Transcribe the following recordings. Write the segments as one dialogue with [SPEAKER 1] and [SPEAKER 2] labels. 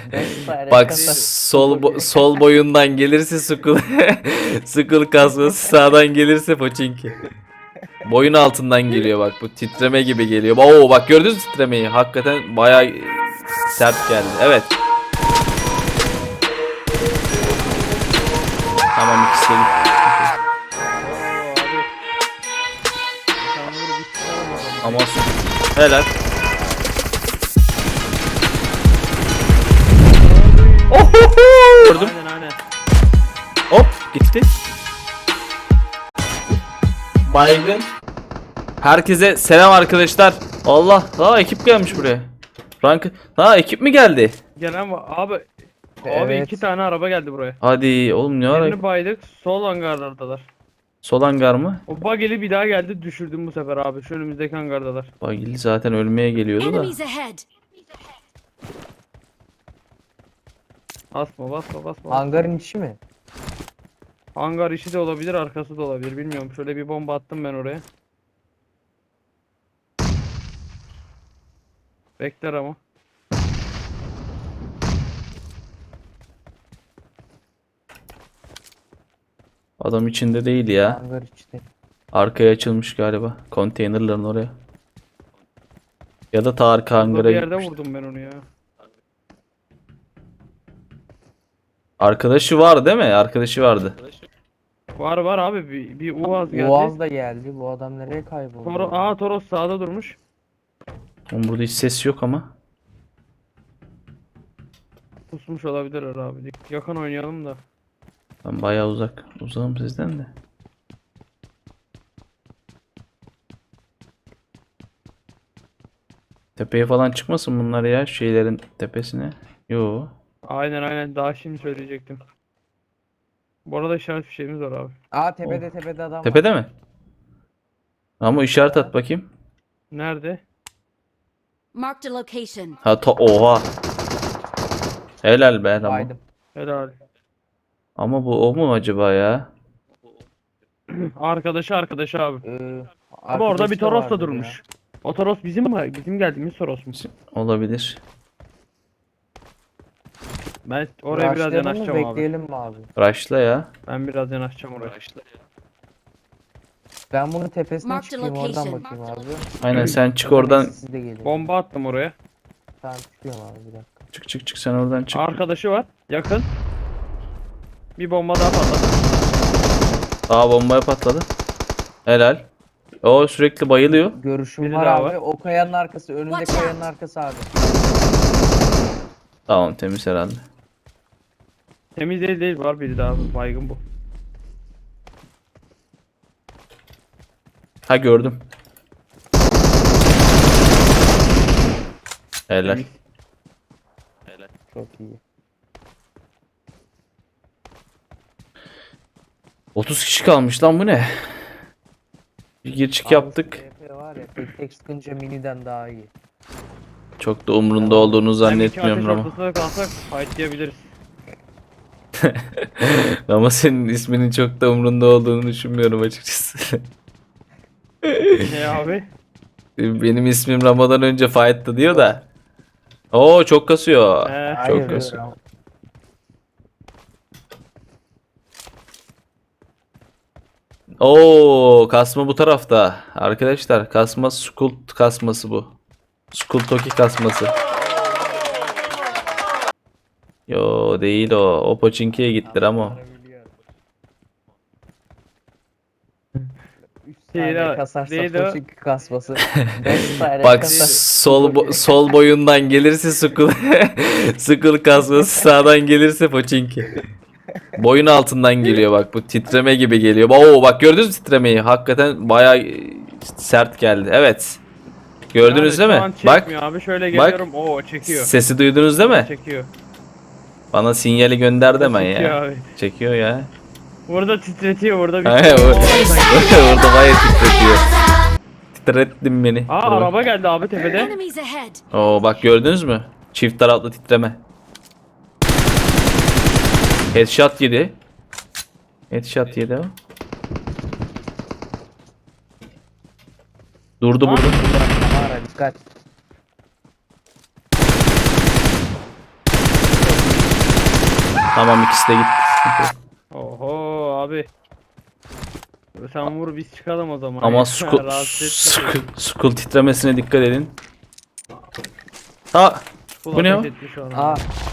[SPEAKER 1] Bak sol boyundan gelirse Skull Skull kasması, sağdan gelirse Pochinki. Boyun altından geliyor bak, bu titreme gibi geliyor. Oo bak, gördünüz mü titremeyi? Hakikaten bayağı sert geldi. Evet. Tamam, ikisi de gitti. Ama helal. Gördüm.
[SPEAKER 2] Aynen.
[SPEAKER 1] Hop gitti. Baygın. Herkese selam arkadaşlar. Allah, daha ekip gelmiş buraya. Rank, daha ekip mi geldi?
[SPEAKER 2] Gelen var. Abi
[SPEAKER 3] Evet.
[SPEAKER 2] 2 tane araba geldi buraya.
[SPEAKER 1] Hadi oğlum, ne ara?
[SPEAKER 2] Birini baydık. Sol hangarlardalar.
[SPEAKER 1] Sol hangar mı?
[SPEAKER 2] O bageli bir daha geldi, düşürdüm bu sefer abi. Şu önümüzdeki hangardalar.
[SPEAKER 1] Bagili zaten ölmeye geliyordu da.
[SPEAKER 4] Enemies ahead.
[SPEAKER 2] Basma.
[SPEAKER 3] Hangarın içi mi?
[SPEAKER 2] Hangar içi de olabilir, arkası da olabilir. Bilmiyorum. Şöyle bir bomba attım ben oraya. Bekler ama.
[SPEAKER 1] Adam içinde değil ya.
[SPEAKER 3] Hangar içi.
[SPEAKER 1] Arkaya açılmış galiba. Konteynerların oraya. Ya da ta arka
[SPEAKER 2] Burada
[SPEAKER 1] hangara
[SPEAKER 2] bir yerde
[SPEAKER 1] gitmiş.
[SPEAKER 2] vurdum ben onu ya.
[SPEAKER 1] Arkadaşı var değil mi? Arkadaşı vardı.
[SPEAKER 2] Var abi, bir Uaz geldi.
[SPEAKER 3] Boğaz da geldi. Bu adam nereye kayboldu?
[SPEAKER 2] Toros sağda durmuş.
[SPEAKER 1] Oğlum burada hiç ses yok ama.
[SPEAKER 2] Pusmuş olabilirler abi. Yakın oynayalım da.
[SPEAKER 1] Ben bayağı uzağım sizden de. Tepeye falan çıkmasın bunlar ya, şeylerin tepesine. Yo.
[SPEAKER 2] Aynen, daha şimdi söyleyecektim. Bu arada işaret fişeğimiz var abi.
[SPEAKER 3] Tepede adam var.
[SPEAKER 1] Tepede mi? Ama işaret at bakayım.
[SPEAKER 2] Nerede?
[SPEAKER 4] Marked a location.
[SPEAKER 1] Ha oha. Helal be tamam.
[SPEAKER 3] Baydım.
[SPEAKER 2] Helal.
[SPEAKER 1] Ama bu o mu acaba ya?
[SPEAKER 2] Arkadaşı abi. Ama orada
[SPEAKER 3] Arkadaşı
[SPEAKER 2] bir Toros da
[SPEAKER 3] vardı
[SPEAKER 2] durmuş. O Toros bizim mi? Bizim geldiğimiz Toros mu?
[SPEAKER 1] Olabilir.
[SPEAKER 2] Ben
[SPEAKER 3] Ya.
[SPEAKER 2] oraya biraz
[SPEAKER 3] Rushlayalım mı,
[SPEAKER 2] yanaşacağım abi.
[SPEAKER 3] bekleyelim mi abi?
[SPEAKER 1] Rush'la ya.
[SPEAKER 2] Ben biraz yanaşacağım oraya.
[SPEAKER 3] Ben bunun tepesine
[SPEAKER 4] Marked
[SPEAKER 3] çıkayım, oradan
[SPEAKER 4] location.
[SPEAKER 3] bakayım abi.
[SPEAKER 1] Aynen, sen çık oradan.
[SPEAKER 3] Siz de gelin.
[SPEAKER 2] Bomba attım oraya.
[SPEAKER 3] Tamam, çıkıyorum abi, bir dakika.
[SPEAKER 1] Çık sen oradan çık.
[SPEAKER 2] Arkadaşı var. Yakın. Bir bomba daha patladı.
[SPEAKER 1] Aa, bombaya patladı. Helal. O sürekli bayılıyor.
[SPEAKER 3] Görüşüm
[SPEAKER 2] Biri
[SPEAKER 3] var
[SPEAKER 2] daha
[SPEAKER 3] abi.
[SPEAKER 2] var.
[SPEAKER 3] O kayanın arkası. Önünde
[SPEAKER 4] Watch
[SPEAKER 3] kayanın
[SPEAKER 4] out.
[SPEAKER 3] arkası abi.
[SPEAKER 1] Tamam, temiz herhalde.
[SPEAKER 2] Temiz değil, var biri daha. Baygın bu.
[SPEAKER 1] Ha, gördüm. Helal.
[SPEAKER 3] Çok iyi.
[SPEAKER 1] 30 kişi kalmış lan, bu ne? Bir gir çık yaptık.
[SPEAKER 3] SP var ya, tek sıkınca miniden daha iyi.
[SPEAKER 1] Çok da umrunda olduğunu
[SPEAKER 2] Hem iki
[SPEAKER 1] zannetmiyorum
[SPEAKER 2] ateş
[SPEAKER 1] ama.
[SPEAKER 2] ortasında kalsak fightlayabiliriz.
[SPEAKER 1] Ama senin isminin çok da umrunda olduğunu düşünmüyorum açıkçası.
[SPEAKER 2] Ne abi?
[SPEAKER 1] Benim ismim Ramazan önce fight'tı diyor da. Oo, çok kasıyor. Çok
[SPEAKER 3] Hayır,
[SPEAKER 1] kasıyor.
[SPEAKER 3] ya.
[SPEAKER 1] Oo, kasma bu tarafta. Arkadaşlar, kasma Skull kasması bu. Skull Toki kasması. Yo, değil o. O Pochinki'ye gittir ama.
[SPEAKER 3] Üç
[SPEAKER 2] Değil
[SPEAKER 3] tane
[SPEAKER 2] o,
[SPEAKER 3] kasarsa
[SPEAKER 2] değil o.
[SPEAKER 3] Pochinki kasması. 5 tane
[SPEAKER 1] Bak
[SPEAKER 3] kasar.
[SPEAKER 1] sol boyundan gelirse Skull Skull kasması, sağdan gelirse Pochinki. Boyun altından geliyor bak, bu titreme gibi geliyor. Oo bak, gördünüz mü titremeyi? Hakikaten bayağı sert geldi. Evet. Gördünüz
[SPEAKER 2] Yani
[SPEAKER 1] değil
[SPEAKER 2] şu an
[SPEAKER 1] mi? Bak,
[SPEAKER 2] çekmiyor abi, şöyle geliyorum. Oo, çekiyor.
[SPEAKER 1] sesi duydunuz değil mi?
[SPEAKER 2] Çekiyor.
[SPEAKER 1] Bana sinyali gönder deme
[SPEAKER 2] Çekiyor
[SPEAKER 1] ya.
[SPEAKER 2] abi.
[SPEAKER 1] Çekiyor ya.
[SPEAKER 2] Burada titretiyor, burada bir
[SPEAKER 1] He, orada bayağı titretiyor. Titrettin beni.
[SPEAKER 2] Aa,
[SPEAKER 1] Dur bak.
[SPEAKER 2] araba geldi abi tepede.
[SPEAKER 4] Enemies ahead.
[SPEAKER 1] Oo bak, gördünüz mü? Çift taraflı titreme. Headshot yedi. Headshot yedi o. Durdu burada.
[SPEAKER 3] Kamera dikkat.
[SPEAKER 1] Tamam, ikisi de gitti. Sıkıntı yok.
[SPEAKER 2] Oho abi. Sen vur biz çıkalım o zaman.
[SPEAKER 1] Ama
[SPEAKER 2] ya.
[SPEAKER 1] school,
[SPEAKER 2] Rahatsız etme.
[SPEAKER 1] school titremesine dikkat edin. Ha,
[SPEAKER 2] School
[SPEAKER 1] bu ne
[SPEAKER 2] ateş
[SPEAKER 1] o?
[SPEAKER 2] etti şu an.
[SPEAKER 3] Aa,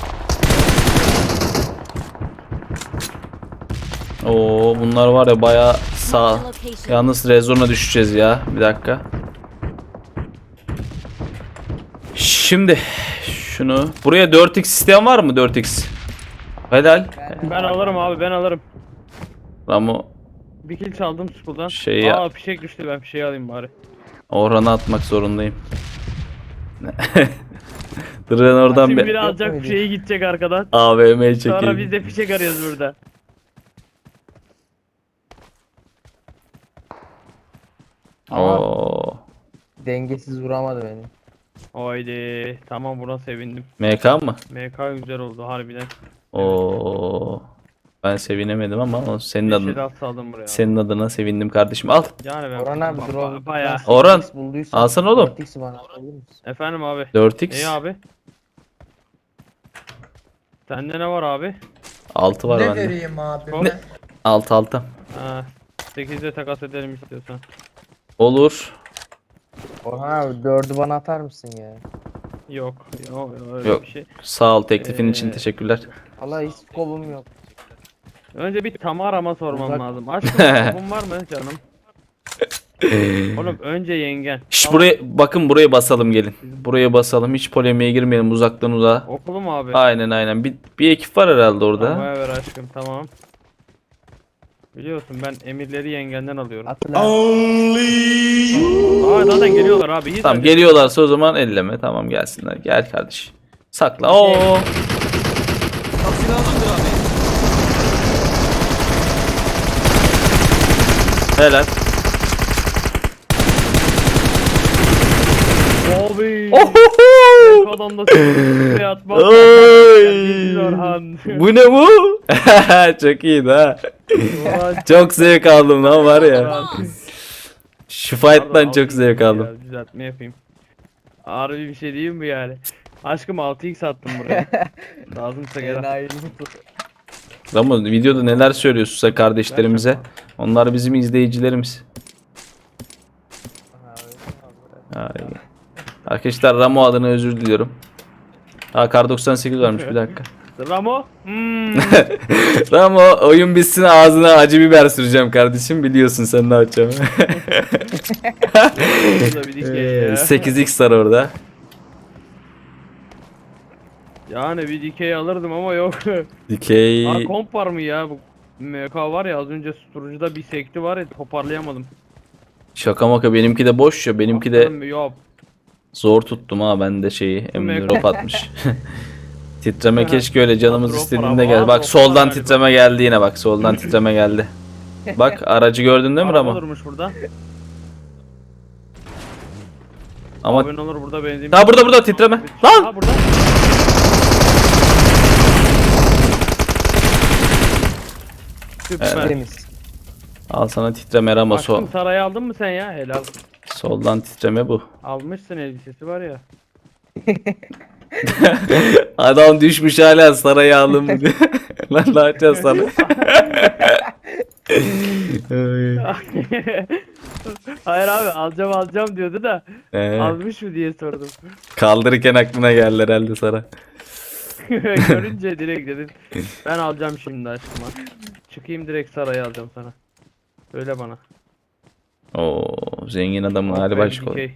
[SPEAKER 1] Oo, bunlar var ya bayağı sağ.
[SPEAKER 4] Marked a location.
[SPEAKER 1] Yalnız rezona düşeceğiz ya. Bir dakika. Şimdi şunu buraya 4x isteyen var mı? 4x. Helal.
[SPEAKER 2] Ben alırım abi, ben alırım.
[SPEAKER 1] Ramo
[SPEAKER 2] Bir kill çaldım school'dan.
[SPEAKER 1] Şey ya-
[SPEAKER 2] Aa fişek düştü, ben fişeği alayım bari.
[SPEAKER 1] Orhan'a atmak zorundayım. Duran oradan
[SPEAKER 2] Şimdi
[SPEAKER 1] bir
[SPEAKER 2] biri alacak
[SPEAKER 3] Yok öyle.
[SPEAKER 2] fişeği gidecek arkadan.
[SPEAKER 1] AVM
[SPEAKER 2] Sonra
[SPEAKER 1] çekeyim.
[SPEAKER 2] biz de fişek arıyoruz burada.
[SPEAKER 1] Oo.
[SPEAKER 3] dengesiz vuramadı beni.
[SPEAKER 2] Haydi. Tamam, buna sevindim.
[SPEAKER 1] MK mı?
[SPEAKER 2] MK güzel oldu harbiden.
[SPEAKER 1] Oo. Ben sevinemedim ama o senin
[SPEAKER 2] Bir
[SPEAKER 1] adın.
[SPEAKER 2] şey saldım buraya.
[SPEAKER 1] Senin adına sevindim kardeşim. Al.
[SPEAKER 2] Yani ben
[SPEAKER 3] Orhan abi drone.
[SPEAKER 2] bayağı.
[SPEAKER 1] Orhan,
[SPEAKER 3] 4x bulduysan
[SPEAKER 1] alsana oğlum.
[SPEAKER 3] 4x'i bana atabilir misin?
[SPEAKER 2] Efendim abi.
[SPEAKER 1] 4x.
[SPEAKER 2] İyi abi. Sende ne var abi?
[SPEAKER 1] 6 var
[SPEAKER 5] Ne
[SPEAKER 1] bende.
[SPEAKER 5] vereyim abi?
[SPEAKER 2] Hop.
[SPEAKER 5] Ne?
[SPEAKER 1] 6.
[SPEAKER 2] Ha, 8'de takas edelim istiyorsan.
[SPEAKER 1] Olur.
[SPEAKER 3] Orhan abi 4'ü bana atar mısın ya?
[SPEAKER 2] Yok, yok öyle
[SPEAKER 1] Yok.
[SPEAKER 2] bir şey.
[SPEAKER 1] Sağ ol, teklifin için teşekkürler.
[SPEAKER 3] Valla hiç skobum yok.
[SPEAKER 2] Önce bir Tamara'ma sormam
[SPEAKER 3] Uzak-
[SPEAKER 2] lazım. Aşkım skobun var mı canım? Oğlum önce yengen.
[SPEAKER 1] Şş,
[SPEAKER 2] Tamam.
[SPEAKER 1] buraya bakın, buraya basalım gelin. Buraya basalım, hiç polemiğe girmeyelim, uzaktan uzağa.
[SPEAKER 2] Okulu mu abi?
[SPEAKER 1] Aynen. Bir ekip var herhalde orada.
[SPEAKER 2] Tamam ver aşkım, tamam. Biliyorsun ben emirleri yengenden alıyorum.
[SPEAKER 3] Atla.
[SPEAKER 2] Aa zaten geliyorlar abi. Hiç
[SPEAKER 1] Tamam,
[SPEAKER 2] acele-
[SPEAKER 1] geliyorlarsa o zaman elleme. Tamam, gelsinler. Gel kardeş. Sakla. Oo. Helal.
[SPEAKER 2] Abi.
[SPEAKER 1] Ohoho!
[SPEAKER 2] Adam da s***ye atmaz.
[SPEAKER 1] Oy!
[SPEAKER 2] Geldiğiniz Orhan.
[SPEAKER 1] Bu ne bu? Çok iyiydi ha.
[SPEAKER 2] Ulan,
[SPEAKER 1] Çok zevk aldım lan var ya.
[SPEAKER 2] Orhan.
[SPEAKER 1] Şu fight'tan
[SPEAKER 2] Pardon,
[SPEAKER 1] çok zevk
[SPEAKER 2] 6x
[SPEAKER 1] aldım.
[SPEAKER 2] ya, düzeltme yapayım. Harbi bir şey diyeyim mi yani? Aşkım 6x attım buraya. Lazımsa gel. al.
[SPEAKER 3] Enayilik.
[SPEAKER 1] Ama videoda neler söylüyorsun sen kardeşlerimize? Onlar bizim izleyicilerimiz. Ay. Arkadaşlar Ramo adına özür diliyorum. Kar 98 varmış, bir dakika.
[SPEAKER 2] Ramo. Hmm.
[SPEAKER 1] Ramo, oyun bitsin ağzına acı biber süreceğim kardeşim, biliyorsun sen ne yapacağımı.
[SPEAKER 2] Burada bir dikey ya.
[SPEAKER 1] 8x var orada.
[SPEAKER 2] Yani bir dikey alırdım ama yok.
[SPEAKER 1] Dikey.
[SPEAKER 2] Aa komp var mı ya? Bu MK var ya, az önce susturucuda bir sekti var ya, toparlayamadım.
[SPEAKER 1] Şaka maka, benimki de boş ya, benimki de
[SPEAKER 2] Yok.
[SPEAKER 1] zor tuttum ha, ben de şeyi
[SPEAKER 2] Mega.
[SPEAKER 1] drop atmış. Titreme keşke öyle canımız
[SPEAKER 2] Drop
[SPEAKER 1] istediğinde
[SPEAKER 2] var
[SPEAKER 1] gel.
[SPEAKER 2] ama
[SPEAKER 1] Bak
[SPEAKER 2] drop
[SPEAKER 1] soldan
[SPEAKER 2] var galiba.
[SPEAKER 1] titreme geldi yine, bak soldan titreme geldi. Bak aracı gördün değil mi
[SPEAKER 2] Araba
[SPEAKER 1] Ramo?
[SPEAKER 2] durmuş burada.
[SPEAKER 1] Ama
[SPEAKER 2] Abone olur burada benzin.
[SPEAKER 1] ha, burada titreme. Lan!
[SPEAKER 2] Ha burada. Süper.
[SPEAKER 3] Temiz.
[SPEAKER 1] Al sana titreme Ramo,
[SPEAKER 2] Aşkım sarayı aldın mı sen ya? Helal.
[SPEAKER 1] soldan titreme bu.
[SPEAKER 2] Almışsın, elbisesi var ya.
[SPEAKER 1] Adam düşmüş hala sarayı aldım mı diye. Lan ne yapacağız sana?
[SPEAKER 2] Hayır abi, alacağım diyordu da almış mı diye sordum.
[SPEAKER 1] Kaldırırken aklına geldi herhalde sana.
[SPEAKER 2] Görünce direkt dedim ben alacağım şimdi aşkıma. Çıkayım direkt sarayı alacağım sana. Söyle bana.
[SPEAKER 1] Oo, zengin adamın hali
[SPEAKER 2] Aferin,
[SPEAKER 1] başka.
[SPEAKER 2] dikey.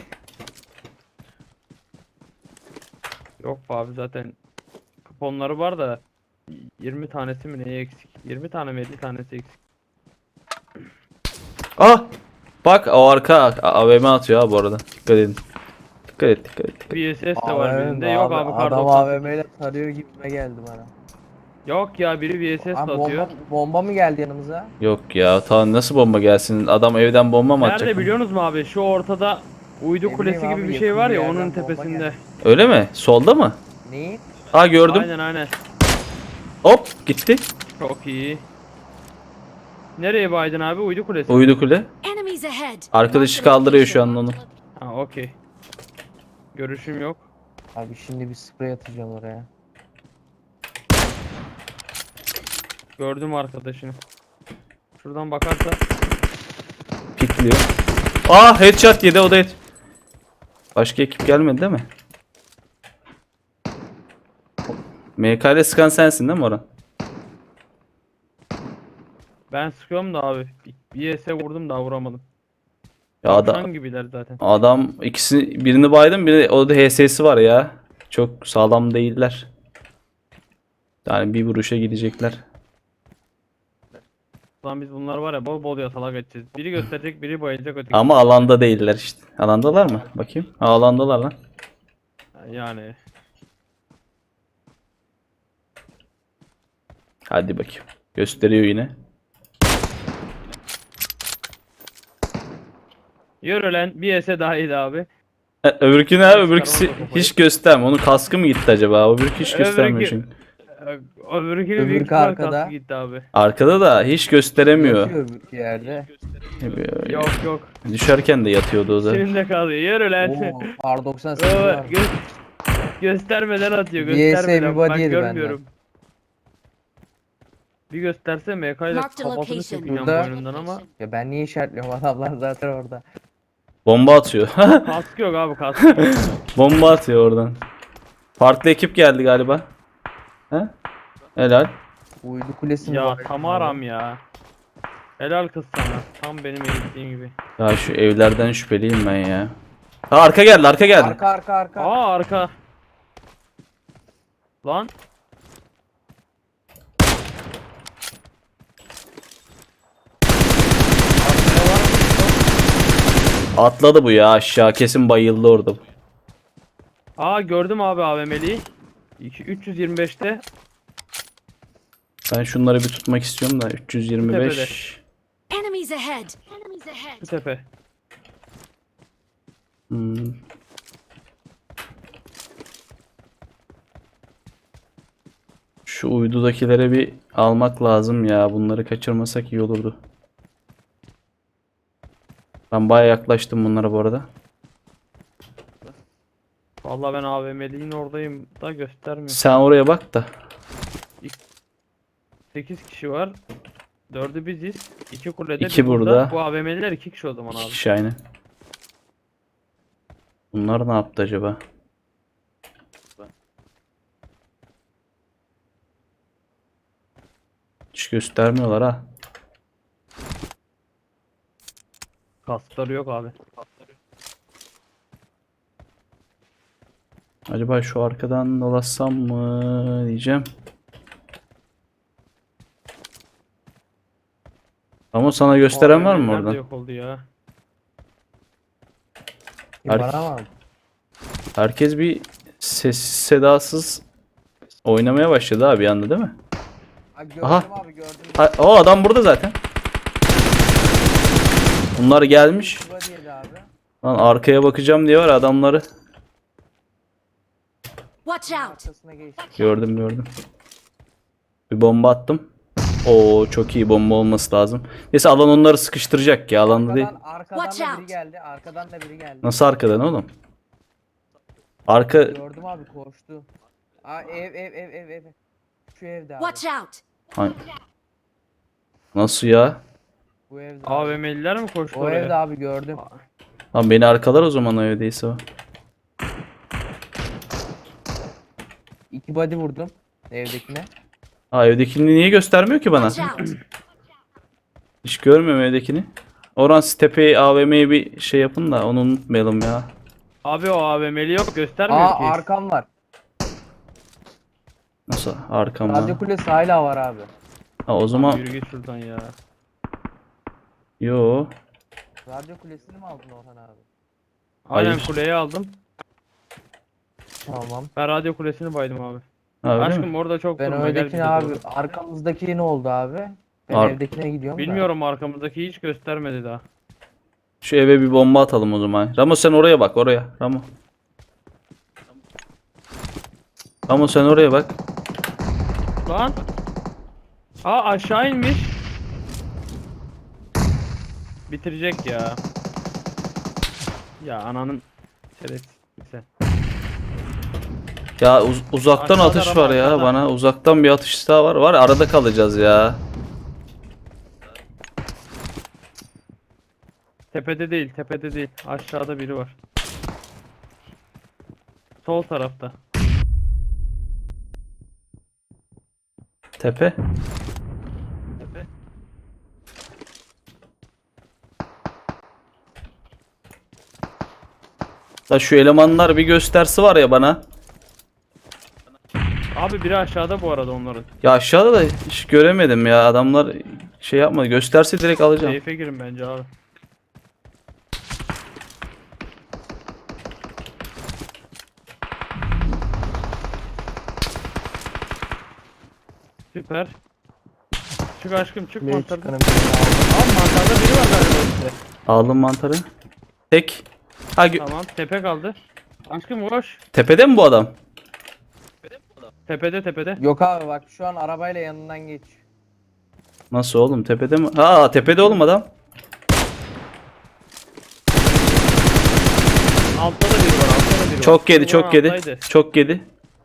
[SPEAKER 2] Yok abi, zaten kuponları var da 20 tanesi mi neye eksik? 20 tane mi 50 tanesi eksik?
[SPEAKER 1] Ah! Bak o arka AVM atıyor ha bu arada. Dikkat edin. Dikkat et.
[SPEAKER 2] VSS de var birinde. Yok abi, kar
[SPEAKER 3] Adam
[SPEAKER 2] 98.
[SPEAKER 3] AVM ile tarıyor gibime geldi bana.
[SPEAKER 2] Yok ya, biri VSS de
[SPEAKER 3] Abi
[SPEAKER 2] atıyor.
[SPEAKER 3] bomba mı geldi yanımıza?
[SPEAKER 1] Yok ya, ta nasıl bomba gelsin? Adam evden bomba mı atacak?
[SPEAKER 2] Nerede biliyorsunuz mu abi? Şu ortada uydu
[SPEAKER 3] Ne
[SPEAKER 2] kulesi
[SPEAKER 3] bileyim
[SPEAKER 2] gibi
[SPEAKER 3] abi,
[SPEAKER 2] bir şey
[SPEAKER 3] yakın
[SPEAKER 2] var
[SPEAKER 3] bir
[SPEAKER 2] ya,
[SPEAKER 3] yerden
[SPEAKER 2] onun
[SPEAKER 3] bomba
[SPEAKER 2] tepesinde.
[SPEAKER 3] geldi.
[SPEAKER 1] Öyle mi? Solda mı?
[SPEAKER 3] Neyi?
[SPEAKER 1] Ha, gördüm.
[SPEAKER 2] Aynen.
[SPEAKER 1] Hop gitti.
[SPEAKER 2] Çok iyi. Nereye baydın abi? Uydu kulesi.
[SPEAKER 1] Uydu kule.
[SPEAKER 4] Enemies ahead.
[SPEAKER 1] Arkadaşı
[SPEAKER 4] Marked a
[SPEAKER 1] kaldırıyor şu
[SPEAKER 4] location.
[SPEAKER 1] an onu.
[SPEAKER 2] Ha okey. Görüşüm yok.
[SPEAKER 3] Abi şimdi bir sprey atacağım oraya.
[SPEAKER 2] Gördüm arkadaşını. Şuradan bakarsa
[SPEAKER 1] Pikliyor. Aa, headshot yedi, o da head. Başka ekip gelmedi değil mi? MK ile sıkan sensin değil mi Orhan?
[SPEAKER 2] ben sıkıyorum da abi. Bir ES vurdum da vuramadım.
[SPEAKER 1] Ya
[SPEAKER 2] Tavşan gibiler zaten.
[SPEAKER 1] adam ikisi, birini baydım, biri o da HS'si var ya. Çok sağlam değiller. Yani bir vuruşa gidecekler.
[SPEAKER 2] Lan biz bunlar var ya bol bol yatalak edeceğiz. Biri gösterecek, biri bayılacak, öteki.
[SPEAKER 1] Ama alanda değiller işte. Alandalar mı? Bakayım. Ha, alandalar lan.
[SPEAKER 2] Yani
[SPEAKER 1] Hadi bakayım. Gösteriyor yine.
[SPEAKER 2] yürü lan, bir ES daha iyiydi abi.
[SPEAKER 1] Öbürkü ne abi? Öbürküsü
[SPEAKER 2] Çıkaramadı kafayı.
[SPEAKER 1] hiç göstermiyor. Onun kaskı mı gitti acaba? Öbürkü hiç göstermiyor
[SPEAKER 2] Öbürkü-
[SPEAKER 1] çünkü.
[SPEAKER 2] Öbürkünün
[SPEAKER 3] Öbürkü
[SPEAKER 2] büyük ihtimal
[SPEAKER 3] arkada.
[SPEAKER 2] kaskı gitti abi.
[SPEAKER 1] Arkada da hiç gösteremiyor.
[SPEAKER 3] Yatıyor bir yerde.
[SPEAKER 2] Yok yok.
[SPEAKER 1] Düşerken de yatıyordu o da.
[SPEAKER 2] Senin de kalıyor. Yürü lan.
[SPEAKER 3] Oo, R 98
[SPEAKER 2] Oo,
[SPEAKER 3] var.
[SPEAKER 2] göstermeden atıyor.
[SPEAKER 3] Bir ES
[SPEAKER 2] Göstermeden.
[SPEAKER 3] bir body
[SPEAKER 2] Ben
[SPEAKER 3] yedi
[SPEAKER 2] görmüyorum. Bir gösterse MK ile
[SPEAKER 4] Marked
[SPEAKER 2] kafasını
[SPEAKER 4] location.
[SPEAKER 2] çekeceğim
[SPEAKER 3] Burada-
[SPEAKER 2] boynundan ama
[SPEAKER 3] Ya ben niye işaretliyorum, adamlar zaten orada.
[SPEAKER 1] Bomba atıyor.
[SPEAKER 2] kask yok abi, kask yok.
[SPEAKER 1] Bomba atıyor oradan. Farklı ekip geldi galiba. He? Helal.
[SPEAKER 3] Uydu kulesi mi
[SPEAKER 2] Ya
[SPEAKER 3] var?
[SPEAKER 2] Tamaram ya. Helal kız sana. Tam benim eğittiğim gibi.
[SPEAKER 1] Ya şu evlerden şüpheliyim ben ya. Ha, arka geldi, arka geldi.
[SPEAKER 3] Arka arka arka.
[SPEAKER 2] Aa, arka. Lan. Arkaya var mı?
[SPEAKER 1] Atladı bu ya aşağı, kesin bayıldı orada.
[SPEAKER 2] Aa, gördüm abi AVM'liyi. 325'te.
[SPEAKER 1] Ben şunları bir tutmak istiyorum da 325.
[SPEAKER 4] Enemies ahead. Enemies ahead.
[SPEAKER 2] Bu tepe.
[SPEAKER 1] Hmm. Şu uydudakilere bir almak lazım ya. Bunları kaçırmasak iyi olurdu. Ben baya yaklaştım bunlara bu arada.
[SPEAKER 2] Vallahi ben AVM'liğin oradayım da göstermiyor.
[SPEAKER 1] Sen oraya bak da.
[SPEAKER 2] 8 kişi var. 4'ü biziz. 2 kulede,
[SPEAKER 1] İki
[SPEAKER 2] bir
[SPEAKER 1] burada.
[SPEAKER 2] Bu AVM'liler 2 kişi o zaman
[SPEAKER 1] İki
[SPEAKER 2] abi.
[SPEAKER 1] kişi aynı. Bunlar ne yaptı acaba? Hiç göstermiyorlar ha.
[SPEAKER 2] Kaskları yok abi.
[SPEAKER 1] Acaba şu arkadan dolaşsam mı diyeceğim. Ama sana gösteren var mı
[SPEAKER 2] AVM'liler de
[SPEAKER 1] oradan?
[SPEAKER 2] yok oldu ya.
[SPEAKER 3] Bana mı?
[SPEAKER 1] Herkes bir sessiz sedasız oynamaya başladı abi bir anda değil mi?
[SPEAKER 3] Ha, gördüm
[SPEAKER 1] Aha.
[SPEAKER 3] abi gördüm.
[SPEAKER 1] Ha, o adam burada zaten. Bunlar gelmiş.
[SPEAKER 3] Body yedi abi.
[SPEAKER 1] Lan arkaya bakacağım diye var adamları.
[SPEAKER 4] Watch out.
[SPEAKER 3] Arkasına geçti.
[SPEAKER 1] Gördüm. Bir bomba attım. Oo, çok iyi bomba olması lazım. Neyse alan onları sıkıştıracak ya, alanda değil.
[SPEAKER 3] Arkadan
[SPEAKER 4] Watch
[SPEAKER 3] da biri
[SPEAKER 4] out.
[SPEAKER 3] geldi. Arkadan da biri geldi.
[SPEAKER 1] Nasıl arkadan oğlum? Arka
[SPEAKER 3] Gördüm abi, koştu. Aa, ev. Şu evde abi.
[SPEAKER 4] Watch out.
[SPEAKER 1] Hay- Nasıl ya?
[SPEAKER 3] Bu evde abi.
[SPEAKER 2] AVM'liler mi koştu
[SPEAKER 3] O
[SPEAKER 2] oraya?
[SPEAKER 3] evde abi gördüm.
[SPEAKER 1] Lan beni arkalar o zaman o evdeyse o.
[SPEAKER 3] 2 body vurdum evdekine.
[SPEAKER 1] Aa, evdekini niye göstermiyor ki bana?
[SPEAKER 4] Watch out.
[SPEAKER 1] Hiç görmüyorum evdekini. Orhan siz tepeye AVM'ye bir şey yapın da onu unutmayalım ya.
[SPEAKER 2] Abi o AVM'li yok, göstermiyor
[SPEAKER 3] Aa,
[SPEAKER 2] ki.
[SPEAKER 3] arkam var.
[SPEAKER 1] Nasıl arkamda?
[SPEAKER 3] Radyo kulesi hala var abi.
[SPEAKER 1] Ha, o zaman
[SPEAKER 2] Yürü git şuradan ya.
[SPEAKER 1] yo.
[SPEAKER 3] Radyo kulesini mi aldın Orhan abi?
[SPEAKER 2] Aynen,
[SPEAKER 1] Hayır.
[SPEAKER 2] kuleyi aldım.
[SPEAKER 3] Tamam.
[SPEAKER 2] Ben radyo kulesini baydım abi.
[SPEAKER 1] Ha, öyle
[SPEAKER 2] Aşkım
[SPEAKER 1] mi?
[SPEAKER 2] orada çok
[SPEAKER 3] Ben
[SPEAKER 2] durma, gel
[SPEAKER 3] öndekine
[SPEAKER 2] bize
[SPEAKER 3] abi,
[SPEAKER 2] doğru.
[SPEAKER 3] arkamızdaki ne oldu abi? Ben
[SPEAKER 1] Ar-
[SPEAKER 3] evdekine gidiyorum da.
[SPEAKER 2] Bilmiyorum, arkamızdaki hiç göstermedi daha.
[SPEAKER 1] Şu eve bir bomba atalım o zaman. Ramo sen oraya bak, oraya. Ramo. Ramo sen oraya bak.
[SPEAKER 2] Lan. Aa, aşağı inmiş. Bitirecek ya. Ya ananın şerefsiz sen.
[SPEAKER 1] Ya uzaktan
[SPEAKER 2] Aşağıda
[SPEAKER 1] atış
[SPEAKER 2] araba,
[SPEAKER 1] var ya
[SPEAKER 2] aşağıda.
[SPEAKER 1] bana. Uzaktan bir atış daha var. Var arada kalacağız ya.
[SPEAKER 2] Tepede değil, tepede değil. Aşağıda biri var. Sol tarafta.
[SPEAKER 1] Tepe.
[SPEAKER 2] Tepe.
[SPEAKER 1] Da şu elemanlar bir göstersi var ya bana.
[SPEAKER 2] Abi biri aşağıda bu arada onların.
[SPEAKER 1] Ya aşağıda da hiç göremedim ya. Adamlar şey yapmadı. Gösterse direkt alacağım.
[SPEAKER 2] Seyfe girin bence abi. Süper. Çık aşkım çık
[SPEAKER 3] Bir
[SPEAKER 2] mantarda.
[SPEAKER 3] çıkanım.
[SPEAKER 2] Abi mantarda biri var galiba işte.
[SPEAKER 1] Aldım mantarı. Tek. Ha,
[SPEAKER 2] Tamam tepe kaldı. Aşkım koş.
[SPEAKER 1] tepede mi bu adam?
[SPEAKER 2] Tepede tepede.
[SPEAKER 3] Yok abi bak şu an arabayla yanından geç.
[SPEAKER 1] Nasıl oğlum tepede mi? Ha tepede oğlum adam.
[SPEAKER 2] Altta da biri var altta da biri var.
[SPEAKER 1] Çok yedi,
[SPEAKER 2] Şu
[SPEAKER 1] çok
[SPEAKER 2] an
[SPEAKER 1] yedi.
[SPEAKER 2] alttaydı.
[SPEAKER 1] Çok yedi.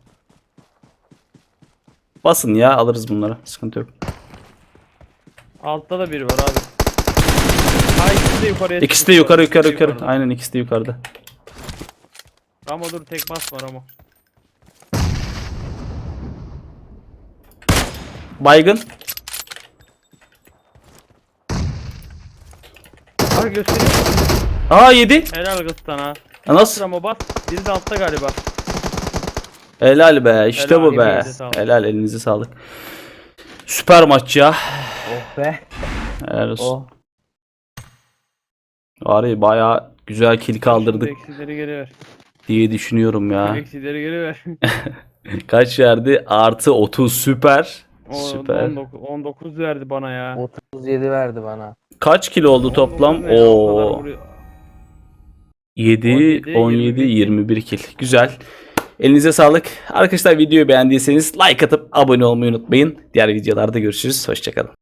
[SPEAKER 1] Basın ya alırız bunları. Sıkıntı yok.
[SPEAKER 2] Altta da biri var abi. Ha ikisi de yukarıya
[SPEAKER 1] İkisi de
[SPEAKER 2] çıkmış
[SPEAKER 1] yukarı
[SPEAKER 2] abi,
[SPEAKER 1] yukarı
[SPEAKER 2] ikisi de
[SPEAKER 1] yukarı. Aynen ikisi de yukarıda.
[SPEAKER 2] Ramo dur tek bas var ama.
[SPEAKER 1] Baygın.
[SPEAKER 2] Abi göstereyim.
[SPEAKER 1] Aa yedi.
[SPEAKER 2] Helal kız sana.
[SPEAKER 1] Ya nasıl?
[SPEAKER 2] Ramo bas. Biri de altta galiba.
[SPEAKER 1] Helal be. İşte
[SPEAKER 2] Helal,
[SPEAKER 1] bu be.
[SPEAKER 2] elinize sağlık.
[SPEAKER 1] Helal elinize sağlık. Süper maç ya.
[SPEAKER 3] Oh be.
[SPEAKER 1] Helal olsun.
[SPEAKER 3] Oh.
[SPEAKER 1] Var ya bayağı güzel kill kaldırdık
[SPEAKER 2] Şimdi eksileri geri ver.
[SPEAKER 1] diye düşünüyorum ya.
[SPEAKER 2] Eksileri geri ver.
[SPEAKER 1] Kaç verdi? Artı 30 süper.
[SPEAKER 2] O
[SPEAKER 1] Süper.
[SPEAKER 2] 19 verdi bana ya.
[SPEAKER 3] 37 verdi bana.
[SPEAKER 1] Kaç kilo oldu toplam?
[SPEAKER 2] 19 ne ya, o kadar
[SPEAKER 1] Oo.
[SPEAKER 2] vuruyor.
[SPEAKER 1] 7,
[SPEAKER 2] 17,
[SPEAKER 1] 17,
[SPEAKER 2] 21
[SPEAKER 1] 21 kill. Güzel. Elinize sağlık. Arkadaşlar videoyu beğendiyseniz like atıp abone olmayı unutmayın. Diğer videolarda görüşürüz. Hoşçakalın.